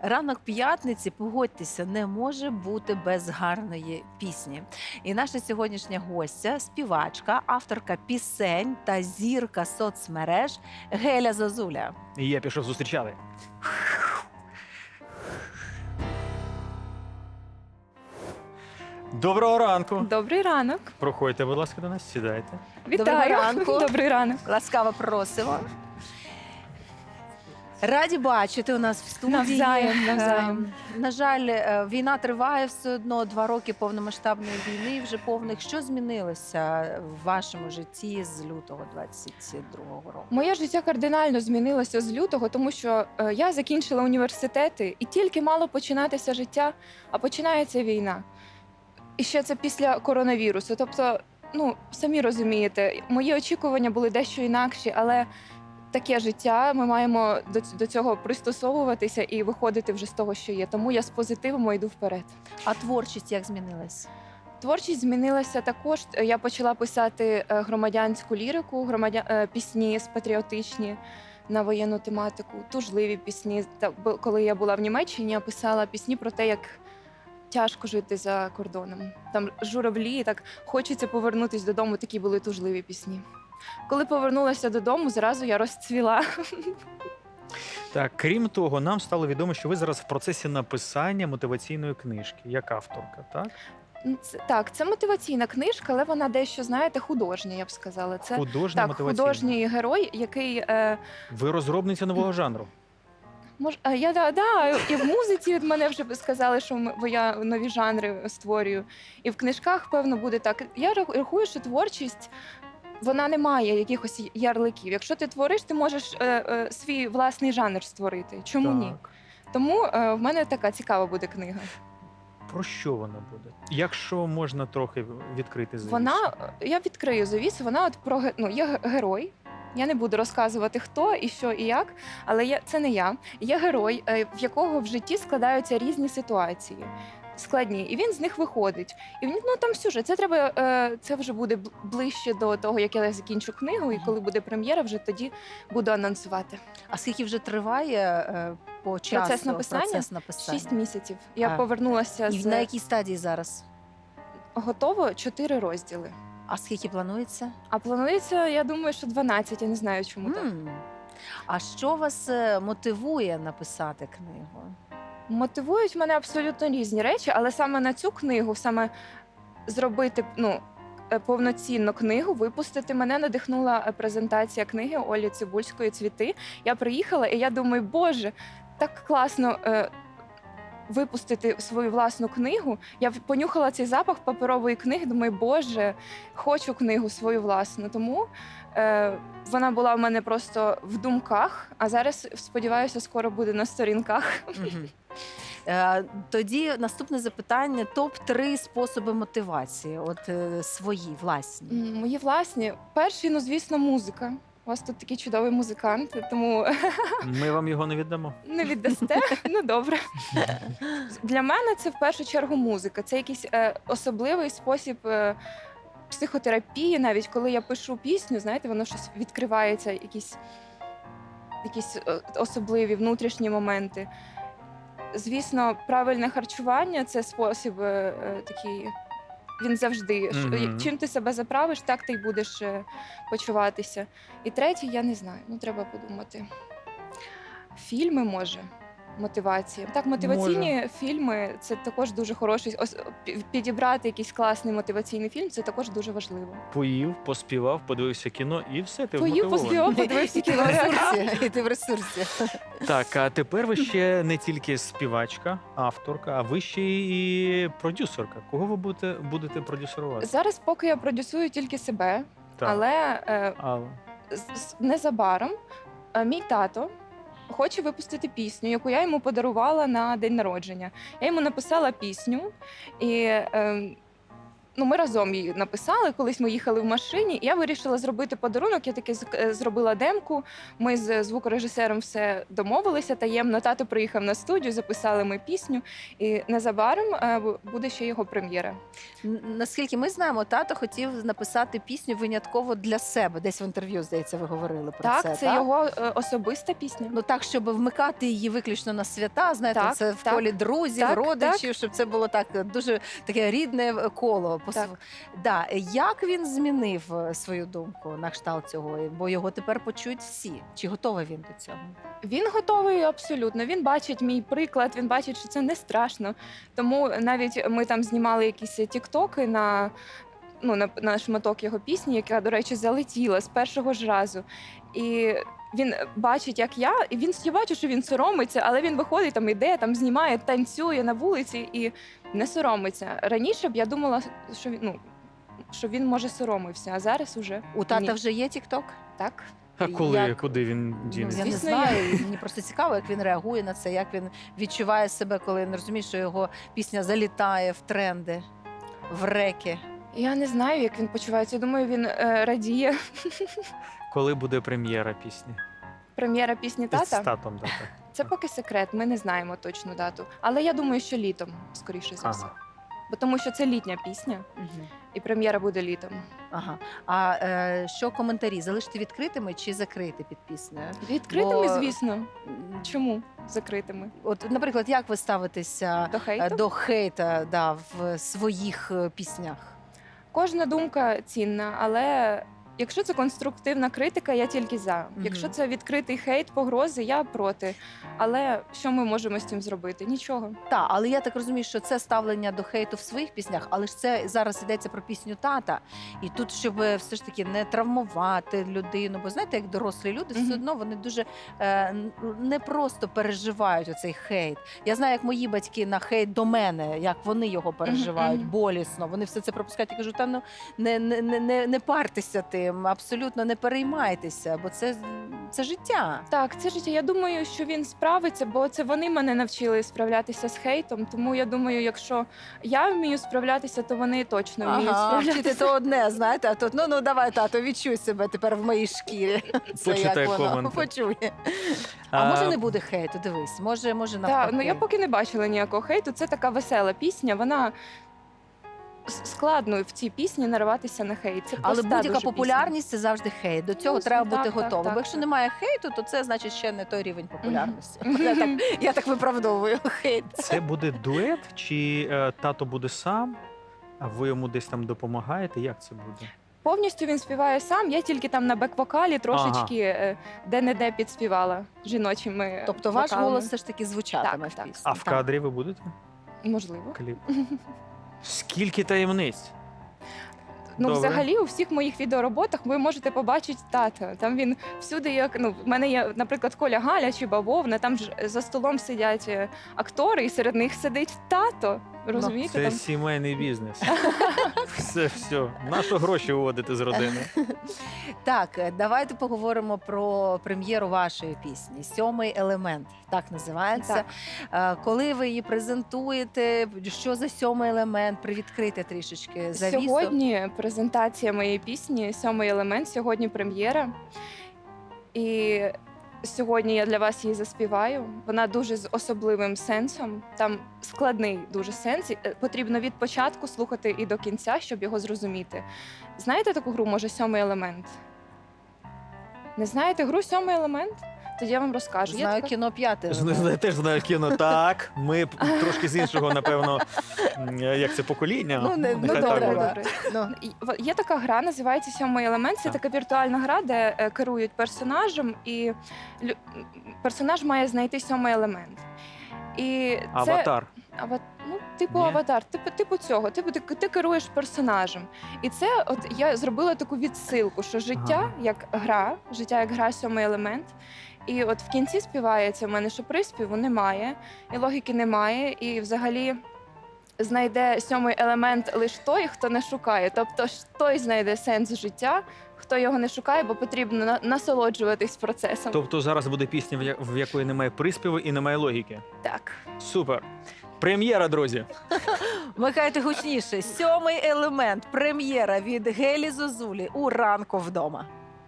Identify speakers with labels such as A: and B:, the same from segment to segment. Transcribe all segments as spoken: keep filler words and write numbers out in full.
A: Ранок п'ятниці, погодьтеся, не може бути без гарної пісні. І наша сьогоднішня гостя, співачка, авторка пісень та зірка соцмереж Геля Зозуля.
B: І я пішов зустрічати. Доброго ранку.
C: Добрий ранок.
B: Проходьте, будь ласка, до нас, сідайте.
C: Вітаю.
A: ранку.
C: Добрий ранок.
A: Ласкаво просимо. Раді бачити у нас в студії.
C: Навзаєм, навзаєм.
A: Е, На жаль, е, війна триває все одно, два роки повномасштабної війни вже повних. Що змінилося в вашому житті з лютого двадцять другого року?
C: Моє життя кардинально змінилося з лютого, тому що е, я закінчила університети і тільки мало починатися життя, а починається війна. І ще це після коронавірусу. Тобто, ну, самі розумієте, мої очікування були дещо інакші, але таке життя, ми маємо до, до цього пристосовуватися і виходити вже з того, що є. Тому я з позитивом йду вперед.
A: А творчість як змінилась?
C: Творчість змінилася також. Я почала писати е, громадянську лірику, громадя... е, пісні з патріотичні на воєнну тематику, тужливі пісні. Та, бо коли я була в Німеччині, я писала пісні про те, як тяжко жити за кордоном. Там журавлі, так хочеться повернутися додому, такі були тужливі пісні. Коли повернулася додому, зразу я розцвіла.
B: Так, крім того, нам стало відомо, що ви зараз в процесі написання мотиваційної книжки, як авторка, так?
C: Це, так, це мотиваційна книжка, але вона дещо, знаєте, художня, я б сказала. Це
B: Художня
C: так,
B: мотиваційна.
C: художній герой, який... Е,
B: Ви розробниця нового жанру.
C: Мож, а я да, да, і в музиці від мене вже сказали, що м- бо я нові жанри створюю. І в книжках, певно, буде так. Я рах- рахую, що творчість, вона не має якихось ярликів. Якщо ти твориш, ти можеш е, е, свій власний жанр створити. Чому
B: так.
C: ні? Тому е, в мене така цікава буде книга.
B: Про що вона буде? Якщо можна трохи відкрити завісу.
C: Вона, я відкрию завісу, вона от про ге- ну, є ге- герой. Я не буду розказувати, хто і що і як, але я, це не я. Є герой, е, в якого в житті складаються різні ситуації. Складні, і він з них виходить. І він, ну там сюжет. Це треба, е, це вже буде бл- ближче до того, як я закінчу книгу, і коли буде прем'єра, вже тоді буду анонсувати.
A: А скільки вже триває е, по часу
C: Процес написання?
A: процес написання?
C: Шість місяців. Я
A: А,
C: повернулася
A: І
C: з
A: на якій стадії зараз?
C: готово чотири розділи.
A: А скільки планується?
C: А планується, я думаю, що дванадцять, я не знаю, чому так.
A: М. А що вас е, мотивує написати книгу?
C: Мотивують мене абсолютно різні речі, але саме на цю книгу, саме зробити ну, е, повноцінну книгу, випустити, мене надихнула е, презентація книги Олі Цибульської «Цвіти». Я приїхала, і я думаю, боже, так класно е, випустити свою власну книгу. Я в- понюхала цей запах паперової книги, думаю, боже, хочу книгу свою власну. Тому е, вона була в мене просто в думках, а зараз, сподіваюся, скоро буде на сторінках.
A: Мгм. Е, Тоді наступне запитання: топ три способи мотивації, от е, свої, власні.
C: М, Мої власні. Перший, ну, звісно, музика. У вас тут такий чудовий музикант, тому
B: Ми вам його не віддамо.
C: не віддасте. Ну, добре. Для мене це в першу чергу музика. Це якийсь е, особливий спосіб е, психотерапії. Навіть коли я пишу пісню, знаєте, воно щось відкривається, якісь, якісь е, особливі внутрішні моменти. Звісно, правильне харчування це спосіб е, е, такий. Він завжди. Ш-
B: Мгм.
C: Чим ти себе заправиш, так ти й будеш е, почуватися. І третє, я не знаю. Ну, треба подумати. Фільми, може, мотивація. Так, мотиваційні фільми це також дуже хороший. Ос- пі- Підібрати якийсь класний мотиваційний фільм це також дуже важливо.
B: Поїв, поспівав, подивився кіно і все, ти
C: Поїв,
B: вмотивований.
C: поспівав, подивився
A: І ти в
C: кіно.
A: ресурсі. І ти в ресурсі.
B: Так, а тепер ви ще не тільки співачка, авторка, а ви ще і продюсерка. Кого ви будете, будете продюсерувати?
C: Зараз поки я продюсую тільки себе,
B: Так.
C: але е,
B: Але...
C: з- з- незабаром е, мій тато хоче випустити пісню, яку я йому подарувала на день народження. Я йому написала пісню, і е, Ну, ми разом її написали. Колись ми їхали в машині, і я вирішила зробити подарунок. Я таки з- е, зробила демку. Ми з звукорежисером все домовилися таємно. Тато приїхав на студію, записали ми пісню, і незабаром е, бу- буде ще його прем'єра.
A: Н- Наскільки ми знаємо, тато хотів написати пісню винятково для себе. Десь в інтерв'ю, здається, ви говорили про
C: Так,
A: це.
C: це його е, особиста пісня.
A: Ну так, щоб вмикати її виключно на свята, знаєте,
C: Так,
A: це в
C: так.
A: колі друзів,
C: Так,
A: родичів, щоб це було так е, дуже таке рідне е, коло. Пос-
C: Так.
A: Да. Як він змінив е, свою думку на кшталт цього? Бо його тепер почують всі. Чи готовий він до цього?
C: Він готовий абсолютно. Він бачить мій приклад, він бачить, що це не страшно. Тому навіть ми там знімали якісь тіктоки на, ну, на, на шматок його пісні, яка, до речі, залетіла з першого ж разу. І він бачить, як я, і він я бачу, що він соромиться, але він виходить, там іде, там знімає, танцює на вулиці і не соромиться. Раніше б я думала, що він, ну, що він може соромився, а зараз уже
A: У тата
C: ні.
A: вже є тікток?
C: Так.
B: А коли,
A: Як-
B: куди він
A: Ну,
B: дінеться?
A: я не
C: Звісно,
A: знаю. і Мені просто цікаво, як він реагує на це, як він відчуває себе, коли не розуміє, що його пісня залітає в тренди, в реки.
C: Я не знаю, як він почувається. Думаю, він е, радіє.
B: Коли буде прем'єра пісні?
C: Прем'єра пісні
B: З
C: тата.
B: татом, да, так.
C: Це поки секрет, ми не знаємо точну дату. Але я думаю, що літом, скоріше за все.
B: Ага.
C: Бо тому що це літня пісня,
A: Мгм.
C: і прем'єра буде літом.
A: Ага. А е, що коментарі? Залишити відкритими чи закрити під піснею?
C: Відкритими,
A: Бо-
C: звісно.
A: М,
C: Чому закритими?
A: От, наприклад, як ви ставитеся
C: До
A: е,
C: хейту?
A: до хейта да, в своїх е, піснях?
C: Кожна думка цінна, але якщо це конструктивна критика, я тільки за.
A: Мгм.
C: Якщо це відкритий хейт, погрози, я проти. Але що ми можемо з цим зробити? Нічого.
A: Так, але я так розумію, що це ставлення до хейту в своїх піснях, але ж це зараз йдеться про пісню тата. І тут, щоб все ж таки не травмувати людину, бо знаєте, як дорослі люди,
C: Мгм.
A: все одно вони дуже е, н- не просто переживають оцей хейт. Я знаю, як мої батьки на хейт до мене, як вони його переживають
C: мгм.
A: болісно. Вони все це пропускають. Я кажу, та ну не, не, не, не, не партеся тим, абсолютно не переймайтеся, бо це, це життя.
C: Так, це життя. Я думаю, що він справиться, бо це вони мене навчили справлятися з хейтом. Тому я думаю, якщо я вмію справлятися, то вони точно вміють
A: Ага,
C: справлятися.
A: вчити то одне, знаєте, а тут ну ну давай, тато, відчуй себе тепер в моїй шкірі. Це
B: Почитай
A: як воно
B: коменти.
A: почує. А, може не буде хейту? Дивись, може, може навпаки.
C: Так, ну я поки не бачила ніякого хейту. Це така весела пісня. Вона с- складно в цій пісні нарватися на хейт. Це
A: Але
C: проста
A: будь-яка
C: дуже
A: популярність це завжди хейт. До цього
C: Ну,
A: треба
C: так,
A: бути
C: так,
A: готовим.
C: так,
A: Бо якщо
C: так.
A: немає хейту, то це значить ще не той рівень популярності.
C: пісня.
A: Я так, я так виправдовую хейт.
B: Це буде дует, чи е, тато буде сам, а ви йому десь там допомагаєте? Як це буде?
C: Повністю він співає сам. Я тільки там на бек-вокалі трошечки е, де-не-де підспівала жіночими.
A: Тобто ваш
C: вокалами.
A: голос все ж таки звучатиме
C: Так,
A: в
C: так.
A: пісні.
B: А в
A: Так.
B: кадрі ви будете?
C: Можливо.
B: Кліп. Скільки таємниць?
C: Ну,
B: Добре.
C: взагалі, у всіх моїх відеороботах ви можете побачити тата. Там він всюди, як ну, в мене є, наприклад, Коля Галя чи Бавовна. Там ж за столом сидять е, актори, і серед них сидить тато. Розумієте?
B: Це
C: Там
B: сімейний бізнес. Все, все. На що гроші виводити з родини?
A: Так, е, давайте поговоримо про прем'єру вашої пісні. Сьомий елемент, так називається. Е, Коли ви її презентуєте, що за сьомий елемент? Привідкрити трішечки завісу.
C: Сьогодні презентація моєї пісні Сьомий елемент. Сьогодні прем'єра. І сьогодні я для вас її заспіваю. Вона дуже з особливим сенсом. Там складний дуже сенс. І, е, Потрібно від початку слухати і до кінця, щоб його зрозуміти. Знаєте таку гру, може, сьомий елемент? Не знаєте гру Сьомий елемент? Тоді я вам розкажу. Є
A: Знаю
C: така-
A: кіно п'яте.
B: Знаю, теж знаю кіно. Так, ми п- трошки з іншого, напевно, м, як це покоління.
A: Ну, не- ну,
C: Ну,
B: Нехай
C: добре,
B: так буде.
C: добре.
A: Ну,
C: І в- Є така гра, називається Сьомий елемент. Це
B: Так.
C: така віртуальна гра, де е, керують персонажем, і лю- м, персонаж має знайти сьомий елемент. І це
B: Аватар.
C: ава- ну, типу
B: Ні?
C: аватар, типу, типу цього. Типу, ти, ти керуєш персонажем. І це, от я зробила таку відсилку, що життя
B: Ага.
C: як гра, життя як гра, сьомий елемент. І от в кінці співається в мене, що приспіву немає, і логіки немає, і взагалі знайде сьомий елемент лише той, хто не шукає. Тобто ж той знайде сенс життя, хто його не шукає, бо потрібно на- насолоджуватись процесом.
B: Тобто зараз буде пісня, в я- в якої немає приспіву і немає логіки.
C: Так.
B: Супер. Прем'єра, друзі.
A: Вмикайте гучніше. Сьомий елемент. Прем'єра від Гелі Зозулі у ранку вдома.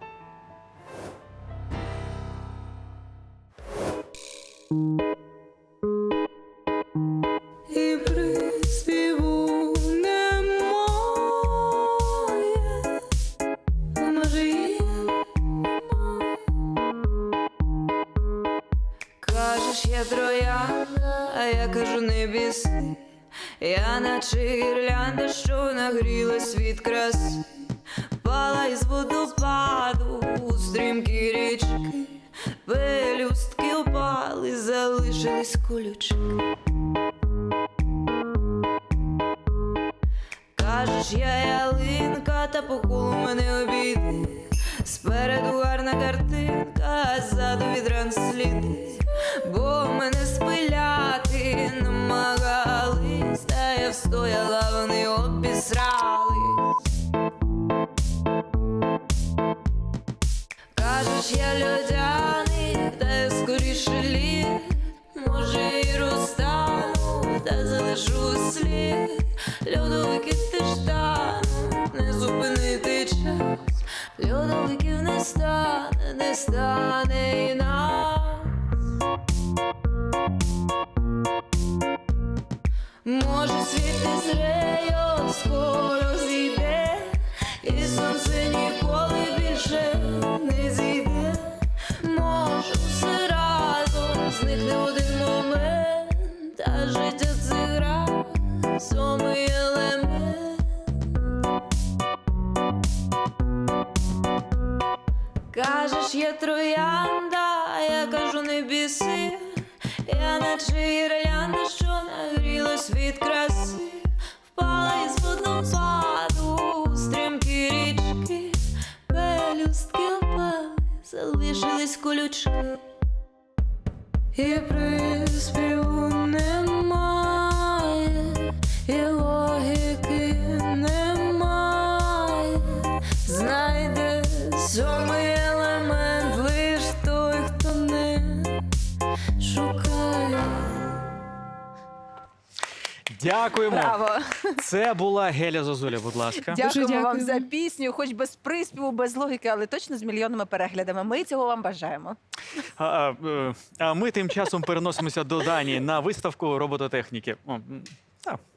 D: І приспіву немає, може і немає. Кажеш, я троянда, а я кажу, не біси. Я наче гірлянда, що нагрілась від краси. Впала із водопаду у стрімкі річки. Пелюстки опали, залишились колючки. Кажеш, я ялинка, та по колу мене обійди. Спереду гарна картинка, а ззаду від ран сліди. Бо мене спиляти намагались, та я встояла, вони обісрались. Кажеш, я льодяний, та я скоріше лід. Може і розтану, та залишу слід. Льодовики теж тануть, не зупинити час. Льодовиків не стане, не стане і нас. Може світ не зреє, скоро зійде, і сонце ніколи більше не зійде. Може все разом зникне в один момент, та життя це гра, сьомий елемент. Кажеш, я троянда, а я кажу, не біси. Я наче гірлянда, що нагрілась від краси. Впала із водопаду у стрімкі річки. Пелюстки опали, залишились колючки. І приспіву немає, і логіки немає. Знайде сьомий елемент лиш той, хто не шукає.
B: Дякуємо.
A: Браво!
B: Це була Геля Зозуля, будь ласка.
A: Дякуємо вам
C: дякую.
A: за пісню, хоч без приспіву, без логіки, але точно з мільйонними переглядами. Ми цього вам бажаємо.
B: А, а, е, а ми тим часом переносимося до Данії на виставку робототехніки. О, м, та,